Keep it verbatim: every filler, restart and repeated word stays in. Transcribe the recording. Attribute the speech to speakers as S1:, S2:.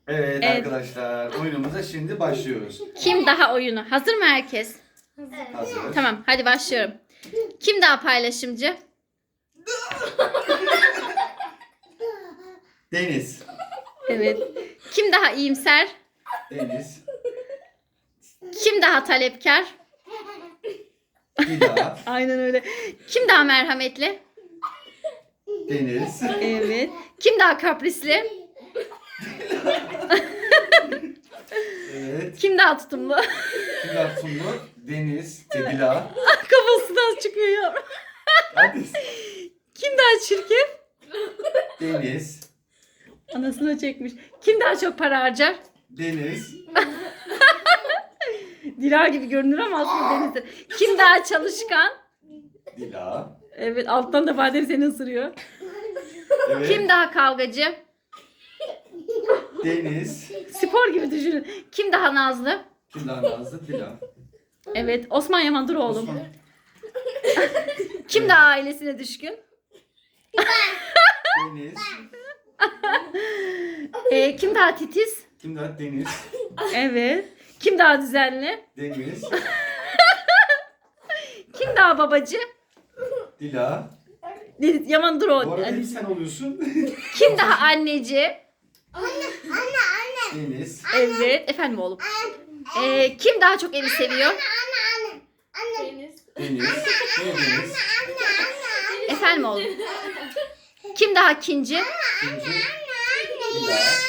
S1: Evet,
S2: Evet.
S1: arkadaşlar, oyunumuza şimdi başlıyoruz.
S2: Kim daha oyunu? Hazır mı herkes?
S1: Hazır.
S2: Tamam, hadi başlıyorum. Kim daha paylaşımcı?
S1: Deniz.
S2: Evet. Kim daha iyimser?
S1: Deniz.
S2: Kim daha talepkar?
S1: Dila.
S2: Aynen öyle. Kim daha merhametli?
S1: Deniz.
S2: Evet. Kim daha kaprisli?
S1: Evet.
S2: Kim daha tutumlu?
S1: Dila Sungur. Deniz. Dila.
S2: Kafasından çıkıyor ya.
S1: Hadi.
S2: Kim daha çirkin?
S1: Deniz.
S2: Anasını çekmiş. Kim daha çok para harcar?
S1: Deniz.
S2: Dilar gibi görünür ama aslında Deniz'dir. Kim daha çalışkan?
S1: Dila.
S2: Evet, alttan da Badem seni ısırıyor.
S1: Evet.
S2: Kim daha kavgacı?
S1: Deniz.
S2: Spor gibi düşünün. Kim daha nazlı?
S1: Kim daha nazlı? Dila.
S2: Evet, Osman Yaman dur oğlum.
S1: Osman.
S2: Kim daha ailesine düşkün?
S1: Deniz.
S2: Ee, kim daha titiz?
S1: Kim daha Deniz?
S2: Evet. Kim daha düzenli?
S1: Deniz.
S2: Kim daha babacı?
S1: Dila.
S2: Deniz, Yaman dur
S1: Bu
S2: oğlum.
S1: arada hep
S2: Hani-
S1: sen oluyorsun.
S2: Kim daha anneci?
S1: Deniz.
S2: Evet. Efendim oğlum. Ee, kim daha çok evi seviyor?
S3: Deniz.
S1: Deniz. Ne Deniz?
S2: Efendim oğlum. Kim daha kinci?
S1: İkinci. Dila.